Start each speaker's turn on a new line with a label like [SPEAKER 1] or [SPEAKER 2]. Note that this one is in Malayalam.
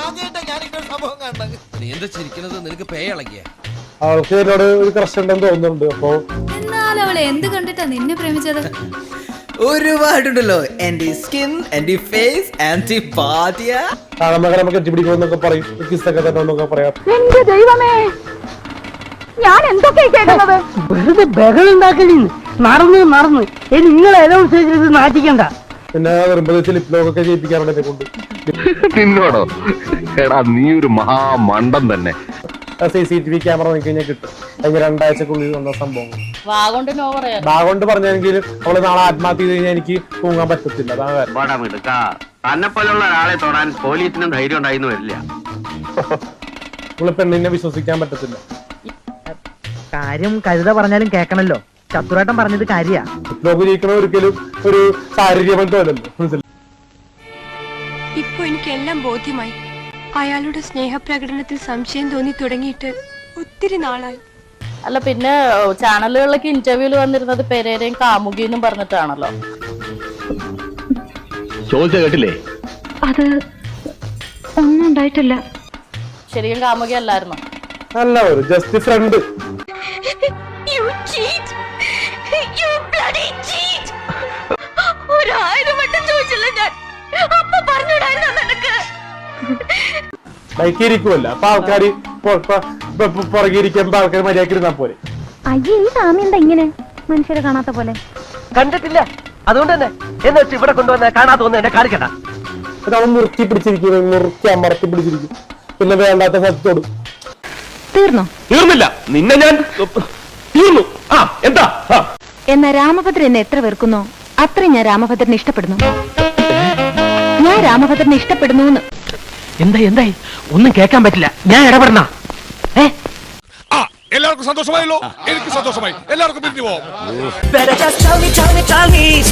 [SPEAKER 1] നീ എന്താ ചിരിക്കുന്നത്? നിനക്ക് പേ ഇളകിയ
[SPEAKER 2] അവൾക്ക് എന്നോട് ഒരു ക്രഷ് ഉണ്ടെന്ന് തോന്നുന്നുണ്ട്. അപ്പൊ
[SPEAKER 3] എന്നാൽ അവളെ എന്ത് കണ്ടിട്ടാ നിന്നെ പ്രേമിച്ചത്?
[SPEAKER 4] ഒരുപാടുണ്ടല്ലോ. എന്റെ സ്കിൻ, എന്റെ ഫേസ്, എന്റെ ബാധ്യ
[SPEAKER 2] കാണുമ്പോ നമുക്ക് എത്തിപ്പിടിക്കുമെന്നൊക്കെ പറയും, കിസ്സൊക്കെ തന്നൊക്കെ പറയാം.
[SPEAKER 5] എന്റെ ദൈവമേ, ഞാൻ എന്തൊക്കെയാ കേൾക്കുന്നത്? വെറുതെ ബഹളുണ്ടാക്കലിന്ന് നടന്ന് നിങ്ങൾ അനൗൺസ് ചെയ്തിട്ട് നാട്ടിക്കണ്ട.
[SPEAKER 2] പിന്നെ വരുമ്പോ ലിപ്ലോക്കൊക്കെ ചെയ്യിപ്പിക്കാറുണ്ട് എന്നെ കൊണ്ട്.
[SPEAKER 6] നിന്നോടോ? എടാ നീ ഒരു മഹാമണ്ടൻ തന്നെ.
[SPEAKER 2] CCTV ക്യാമറ നോക്കി കഴിഞ്ഞാൽ കിട്ടും. കഴിഞ്ഞ 2 ആഴ്ചക്കുള്ളിൽ വന്ന സംഭവം. ബാഗോണ്ട് പറഞ്ഞെങ്കിലും അവള് നാളെ ആത്മഹത്യ ചെയ്ത് കഴിഞ്ഞാൽ എനിക്ക് തൂങ്ങാൻ പറ്റത്തില്ല. അതാണ്
[SPEAKER 7] തന്നെ പോലുള്ള ഒരാളെ തൊടാൻ പോലീസിനും ധൈര്യം ഉണ്ടായിരുന്നു വരില്ല.
[SPEAKER 2] നമ്മള് പെണ്ണിനെ വിശ്വസിക്കാൻ പറ്റത്തില്ല.
[SPEAKER 8] കാര്യം കരുത പറഞ്ഞാലും കേക്കണല്ലോ. ചത്തുരാട്ടം പറഞ്ഞത് കാര്യ.
[SPEAKER 2] ലിപ്ലോക്ക് ജയിക്കണ ഒരിക്കലും ഒരു ശാരീരിക ബന്ധമല്ലല്ലോ. മനസ്സിലായി?
[SPEAKER 9] ഇപ്പൊ എനിക്കെല്ലാം ബോധ്യമായി. അയാളുടെ സ്നേഹപ്രകടനത്തിൽ സംശയം തോന്നി തുടങ്ങിയിട്ട് ഒത്തിരി നാളായി.
[SPEAKER 3] അല്ല, പിന്നെ ചാനലുകളിലൊക്കെ ഇന്റർവ്യൂല് വന്നിരുന്നത് പെരേരയും കാമുകിന്നും പറഞ്ഞിട്ടാണല്ലോ.
[SPEAKER 6] ചോദിച്ച കേട്ടില്ലേ?
[SPEAKER 5] അത് ഒന്നും ഉണ്ടായിട്ടില്ല.
[SPEAKER 3] ശരിക്കും കാമുകി അല്ലായിരുന്നു.
[SPEAKER 2] അല്ല, ഒരു ജസ്റ്റ് ഫ്രണ്ട്. ബൈക്ക് ഇരിക്കുമല്ലോ, അപ്പൊ ആൾക്കാര് പുറകെ ഇരിക്കുമ്പോ ആൾക്കാർ മര്യാദക്ക് ഇരുന്നാ പോലെ.
[SPEAKER 5] അയ്യേ, ഈ സ്വാമി എന്താ ഇങ്ങനെ മനുഷ്യരെ കാണാത്ത പോലെ?
[SPEAKER 8] കണ്ടിട്ടില്ല, അതുകൊണ്ട് തന്നെ എന്ന് വെച്ച് ഇവിടെ കൊണ്ടുവന്ന കാണാത്ത ഒന്നും എന്നെ കാണിക്കണ്ട.
[SPEAKER 2] അവൻ മുറുക്കി പിടിച്ചിരിക്കും, മുറുക്കി അമർത്തി പിടിച്ചിരിക്കും. പിന്നെ വേണ്ടാത്ത സത്തോടും.
[SPEAKER 5] തീർന്നോ?
[SPEAKER 6] തീർന്നില്ല, നിന്നെ ഞാൻ തീർന്നു. എന്താ?
[SPEAKER 5] എന്നാ രാമഭദ്രൻ എന്നെ എത്ര വെറുക്കുന്നോ അത്രയും ഞാൻ രാമഭദ്രനെ ഇഷ്ടപ്പെടുന്നു. ഞാൻ രാമഭദ്രനെ ഇഷ്ടപ്പെടുന്നു.
[SPEAKER 8] എന്തായി ഒന്നും കേൾക്കാൻ പറ്റില്ല, ഞാൻ ഇടപെടണ.
[SPEAKER 10] എല്ലാവർക്കും സന്തോഷമായല്ലോ? എനിക്ക് സന്തോഷമായി. എല്ലാവർക്കും പിരിഞ്ഞു പോവാം.